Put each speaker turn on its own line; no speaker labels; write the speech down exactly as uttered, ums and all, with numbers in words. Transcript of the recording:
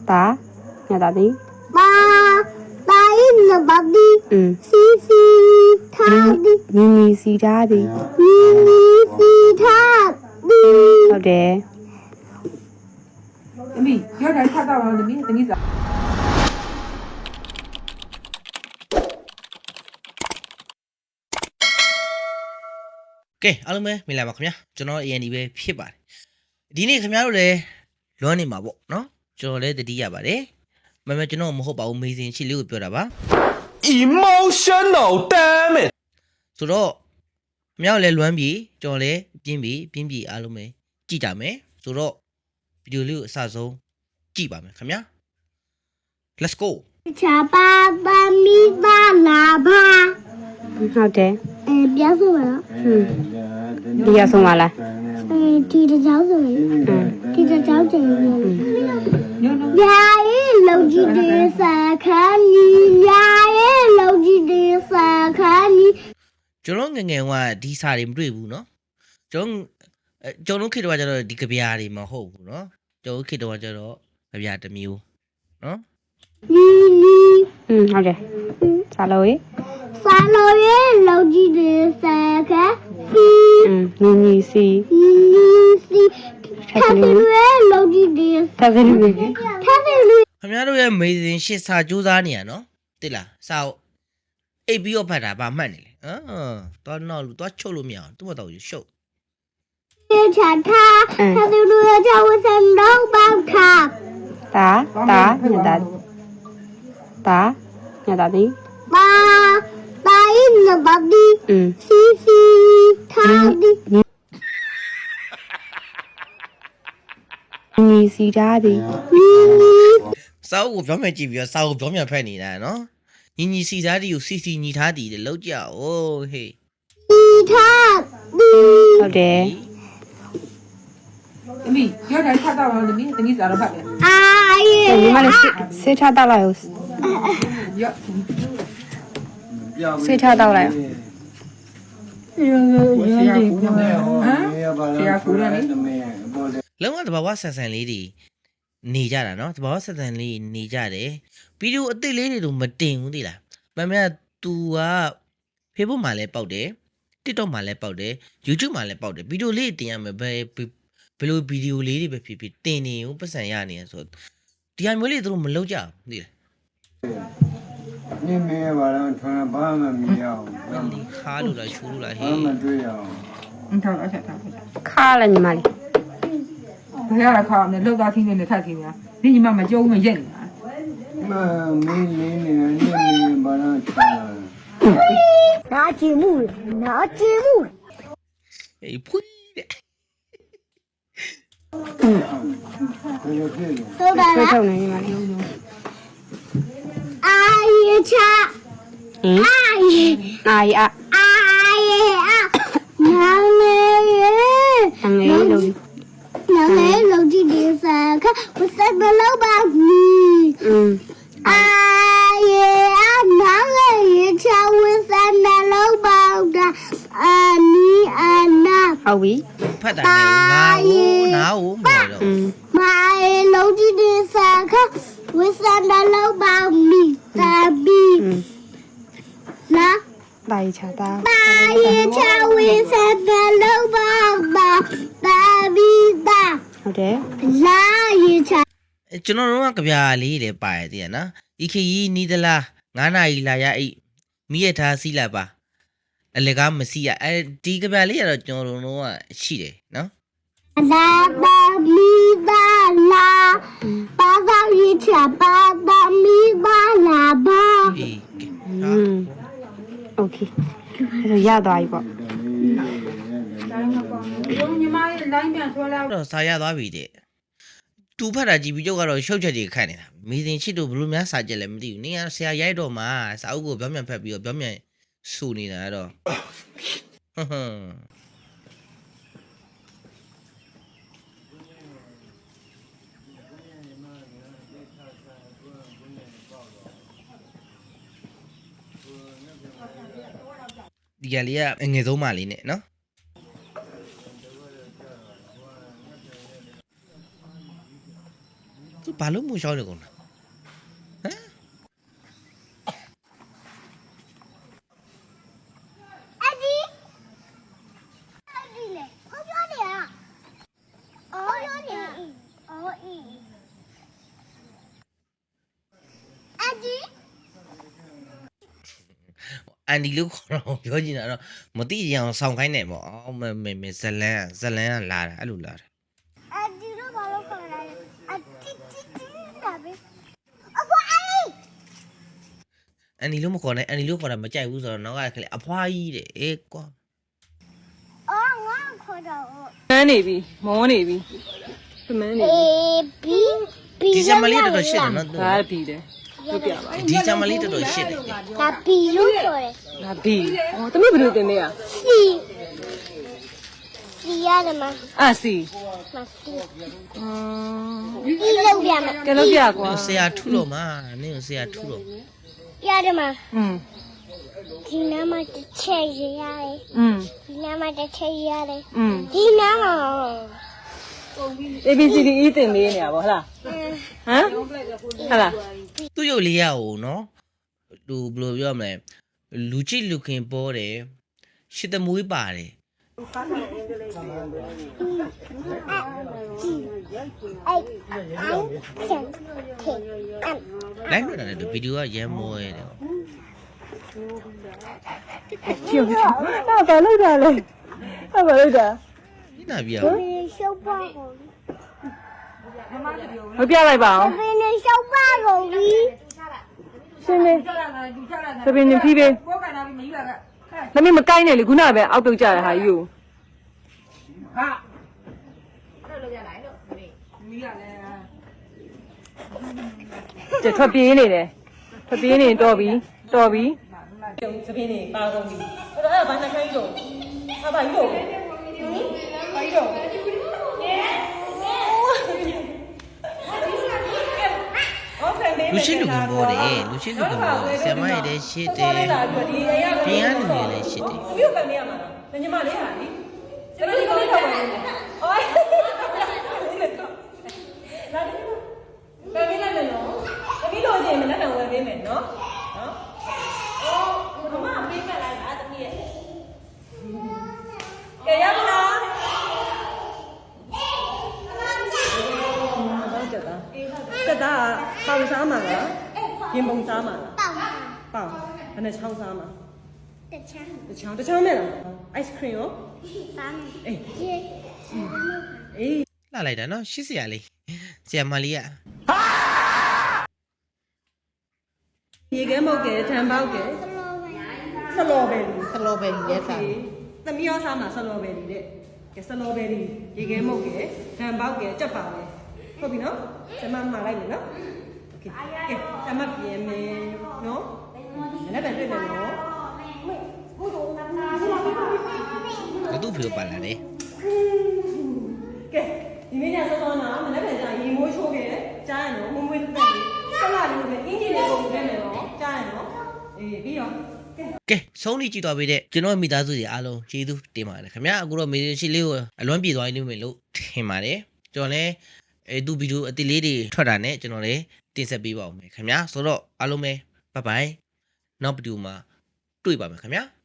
Ta, nhà ta đi.
ba ta in là ba đi
Ừ.
si si tha đi
Ni ni si ra đi.
ni ni si tha đi
ဟုတ်တယ်
သမီးပြောတယ်ထားတော့သမီးသမီးစား
ကဲအားလုံးပဲမင်္ဂလာပါခင်ဗျာကျွန်တော် A N D ပဲဖြစ်ပါတယ်ဒီနေ့ခင်ဗျားတို့လည်းလွမ်းနေမှာပေါ့နော်ကျွန်တော်လည်းတတိရပါတယ်မမကျွန်တော်မဟုတ်ပါဘူးမေးစင်ချစ်လေးကိုပြောတာပါ
emotional damn it
ဆိုတော့ခင်ဗျားတို့လည်းလွမ်းပြီကျွန်တော်လည်းပြင်းပြီပြင်းပြီအားလုံးပဲကြည့်ကြမယ်ဆိုတော့ဗီဒီယိုလေးကိုအစဆုံးကြည့်ပါမယ်ခင်ဗျာ let's go
cha ba ba mi ba la ba
ဟုတ်တယ်
အဲပြောဆိုပါတော့
ဟွန်းဒီရဆုံးပါလား
အဲဒီတကြောင်ဆိုရင်ဒီတကြောင်ကျင်လို့
ညို့ညို့
ညာရဲ့လုံကြီးတဲ့စခန်းကြီးညာရဲ့လုံကြီးတဲ့စခန်းကြီး
ကျွန်တော်ငယ်ငယ်ကဒီစာတွေမတွေ့ဘူးနော်ကျွန်တော်ကျွန်တော်ခေတ္တကကျတော့ဒီကြပြားတွေမဟုတ်ဘူးနော်ကျွန်တော်ခေတ္တကကျတော့ကြပြားတစ်မျိုးနော်
နီနီ
อืมဟုတ်တယ်စာလို့ရေ
စာလို့ရဲ့လုံကြီးတဲ့စခန်းစီ
อืมနီနီစီ
နီစီခါစီရဲ့လုံကြီးတဲ့
သဗ္ဗေလူကြီး
ခါစီလူ
ခင်ဗျားတို့ရဲ့မေးစင်ရှစ်စာစူးစမ်းနေရနော်တိလားစာကိုအိပ်ပြီးတော့ဖတ်တာဗာမှတ်နေလေဟမ်တော့တော့လူတော့ချုပ်လို့မရအောင်သူ့မတော်ယူရှုပ်
ရဲ့ချာထားခါစီလူရဲ့ချာဝစံတော့ပေါက်ထား
တာတာညာတာတာညာတာဒီ
ba ta in là ba đi
อืม
si si tha đi
နီစီရာဒီ
ni ni
စာအုပ်ကိုပြောင်းပြန်ကြည့်ပြီးတော့စာအုပ်ပြောင်းပြန်ဖတ်နေတာနော်ညီညီစီသားတီကိုစီစီညီထားတီလေလောက်ကြအိုးဟေး
si tha đi
ဟုတ်တယ်
သမီးပြောတယ်ထားတော့သမီးသမီးစားတော့ဖတ်တယ်
a
ဒီ
ye
မှာလည်းဆေးထားတော့လိုက်
ရော့
ဆေးထားတော့လိုက်
ဆရာကူတယ်ဟမ်ဆရာကူတယ်လေ
လုံးဝတဘာဝဆန်ဆန်လေးတွေနေကြတာနော်တဘာဝဆန်ဆန်လေးနေကြတယ်ဗီဒီယိုအစ်စ်လေးတွေတော့မတင်ဘူးသိလားမမက तू က Facebook မှာလည်းပေါက်တယ် TikTok မှာလည်းပေါက်တယ် YouTube မှာလည်းပေါက်တယ်ဗီဒီယိုလေးတင်ရမယ်ဘယ်ဘယ်လိုဗီဒီယိုလေးတွေပဲဖြစ်ဖြစ်တင်နေဦးပတ်စံရနေရဆိုဒီဟာမျိုးလေးသူတို့မလုပ်ကြဘူးသိလား
你没把人穿把们没有，
ခါလို့လားချူလို့လားဟေး
把们这样。
အင်းထားတော့ချက်ထားဖတ်
ခါလည်းညီမလေး
ဘယ်ရတာခါအောင်လဲလောက်သားသီးနေနဲ့ထက်သီးနေတာဒီညီမမကြုံမရက်နေတာ
那没没没你没把人穿了，
拿节目拿节目
အေးဖွီးတဲ့
这就这种。
都来
ဆွဲ
了
ထုတ်နေညီမလေး
a ye cha
ဟင်
a ye
အာရီအ
a ye a nang le ye
အငယ်လို့
nang le lo ji de sa kha wasa ba lo ba ni
อืม
a ye a nang le ye cha wasa na lo ba da a ni a na
ဟုတ်ပြီ
ဖတ်တာနဲ့ငါ့ကိုနားကိုမော်တော့
อืม
ma ye lo ji de sa kha wasa na lo ba mi ta bi
อืม
na
တာရီချာတာ
ba ye cha wasa na lo ba da ta bi da
ဟုတ်တယ်
la ye cha
ကျွန်တော်တို့ကကြပြာလေးလည်းပါရသေးရနော်ဤခရီးနီးသလားငါးနာရီလာရအိမိရထားစီးလာပါအလကားမစီးရအဲဒီကြပြာလေးကတော့ကျွန်တော်တို့ကရှိတယ်နော်
la ba mi da la ba ba ye cha ba ba mi ba la ba
အေး
อืมโอเคအဲ့တော့ရသွားပြီပေါ့
ညီမရဲ့ line ပြန်ဆွဲလာ
တော့စာရသွားပြီတဲ့သူဖတ်တာကြည့်ပြီးကျုပ်ကတော့ရှုပ်ချက်တွေခတ်နေတာမိစဉ်ချစ်တို့ဘလို့များစာကြက်လည်းမသိဘူးနင်ကဆရာရိုက်တော့မှစာအုပ်ကိုပြောင်းပြန်ဖတ်ပြီးတော့ပြောင်းပြန်စူနေတာတော့ဟွန်းဟွန်းဒီကလေးကအငယ်ဆုံးမလေးနဲ့နော် ဖဘာလို့မရှောင်းနေကုန်လဲဟမ်
အဒီအဒီလေဟောပြောနေရအော်ပြောနေအော်အေးအဒီ
အန်ဒီလို့ခေါ်တော့ပြောချင်တာတော့မသိကြအောင်ဆောင်းခိုင်းနေပေါ့အော်မမေမေဇလန်ဇလန်ကလာတာအဲ့လိုလာတာ
အဒီတော့ဘာလို့ခေါ်လဲအတီတီတီလာပဲအဖွာအေး
အန်ဒီလို့မခေါ်နဲ့အန်ဒီလို့ခေါ်တာမကြိုက်ဘူးဆိုတော့နောက်ကခလေအဖွားကြီးတဲ့အေးကွာ
အော်ငါခေါ်တော့
မန်းနေပြီမောနေပြီမန်းနေ
အေးဘီဘီ
ဒီဇမလေးတော်တော်ရှစ်တယ်နော်
ဒါပြီတယ်ပြပြပါ
ဒီဇမလေးတော်တော်ရှစ်တယ်
ဒါဘီလို့ပြောတယ်
ဒါပြီဟောတမီးဘယ်လိုတင်နေရ
စီစီရတယ်မ
အာစီ
မစီ
อืม
ဒီလောက်ပြမ
ကဲလို့ပြကွာ
ဆရာထုလို့မှာနင်းဆရာထုလို့
ရတယ်မ
อืม
ဒီနားမှာတစ်ချက်ရရတယ်
อืม
ဒီနားမှာတစ်ချက်ရတယ်
อืม
ဒီနားမှာ
A B C D E တင်နေနေရပါဟုတ်လားဟမ်ဟုတ်လား
သူ့ရုပ်လေးရအောင်နော်သူဘယ်လိုပြောမလဲလူကြည့်လူခင်ပေါ်တယ်ရှစ်သမွေးပါတယ်
အဲ့အဲ့ချန်ခေအမ်
လိုက်လို့ရတယ်ဗီဒီယိုကရမ်းမောရတယ်
ဖြူဖြူဟာဘာလို့တာလဲဟာဘာလို့တာ
ဒီနာပြရ
ဘယ်ရှုပ်ပါကုန်
မပြလိုက်ပါအောင်
ဘယ်နဲ့ရှုပ်ပါကုန်ပြီ
ရှင်းနေ
ကျလာတာသူကျလာတာ
သပင်းနေဖြီးပေး
ဘောကန်လာပြီးမယူရက
သမီးမကိုင်းနဲ့လေခုနကပဲအောက်တုတ်ကြရဟာယူ
ဟာလို့လို့ရလိုက်လို့မီးရလဲ
ကျထွက်ပြေးနေတယ်ထွက်ပြေးနေတော့ပြီတော်ပြီသပင်းနေပါကုန်ပြီအဲ့ဒါဘာနှခိုင်းလို့ဟာဘာယူလို့ဘာယူလို့
လူရှိလူခင်ပေါ်တယ်လူရှိလူခင်ပေါ်တယ်ဆရာမရတဲ့ရှစ်တယ်ပြင်ရလူတွေလည်းရှစ်တယ်
ဘယ်လိုပဲနေရမှာလဲညီမလေးဟာလीစပင်းကိုလေးတော့ပဲအိုးလာတယ်ဘယ်မင်းလဲနော်တမီးလို့ချင်းမနဲ့တော့ဝယ်ပေးမယ်နော်နော်အော်မမပေးခဲ့လိုက်တာတမီးရဲ့ကဲရမလားတော့ကြတာတက်တာပေါင်စားမှာလားရင်ပုံစားမှာလား
ပေါက်
ပေါင်ဘယ်နဲ့ချောင်းစားမှာ
တချမ်း
တချောင်းတချောင်းမဲ့လား ice cream ရော
စားမယ်
အေး
ရေ
အေး
လှလိုက်တာနော်ရှစ်ဆရာလေးဆရာမလေးက
ရေခဲမုတ်ကဲထံပေါက်ကဲ
စလောပဲ
ဆလော်ဘယ်လီဆလော်ဘယ်လီရဲ့စားသမီးရောစားမှာဆလော်ဘယ်လီတဲ့ကဲဆလော်ဘယ်လီရေခဲမုတ်ကဲထံပေါက်ကဲကြက်ပါလေဟုတ်ပြီနော်ကျမမှာလိုက်မယ်နော်โอเคကဲကျမပြင်မယ်နော်လည်းပဲတွေ့မယ်နော်
ဘသူ့ဖေပါလာတယ်
ကဲဒီမင်းညစောစောနာမလည်းပဲကြာရေမိုးချိုးခဲ့ကြားရနော်မမွေးတက်လေးဆက်လာလို့ပဲအင်ဂျင်လေးပုံပြမယ်နော်ကြားရနော်အေးပြီးတော့ကဲ
ကဲဆုံးနေကြည့်သွားပြီတဲ့ကျွန်တော်မိသားစုတွေအားလုံးကျေးဇူးတင်ပါတယ်ခင်ဗျာအခုတော့မေးရှိလေးကိုအလွမ်းပြေသွားနေမယ်လို့ထင်ပါတယ်ကျွန်တော်လည်းအဲသူဗီဒီယိုအတိလေးတွေထွက်တာနဲ့ကျွန်တော်လည်းတင်ဆက်ပေးပါဦးမယ်ခင်ဗျာဆိုတော့အားလုံးပဲဘိုင်ဘိုင်နောက်ဗီဒီယိုမှာတွေ့ပါမယ်ခင်ဗျာ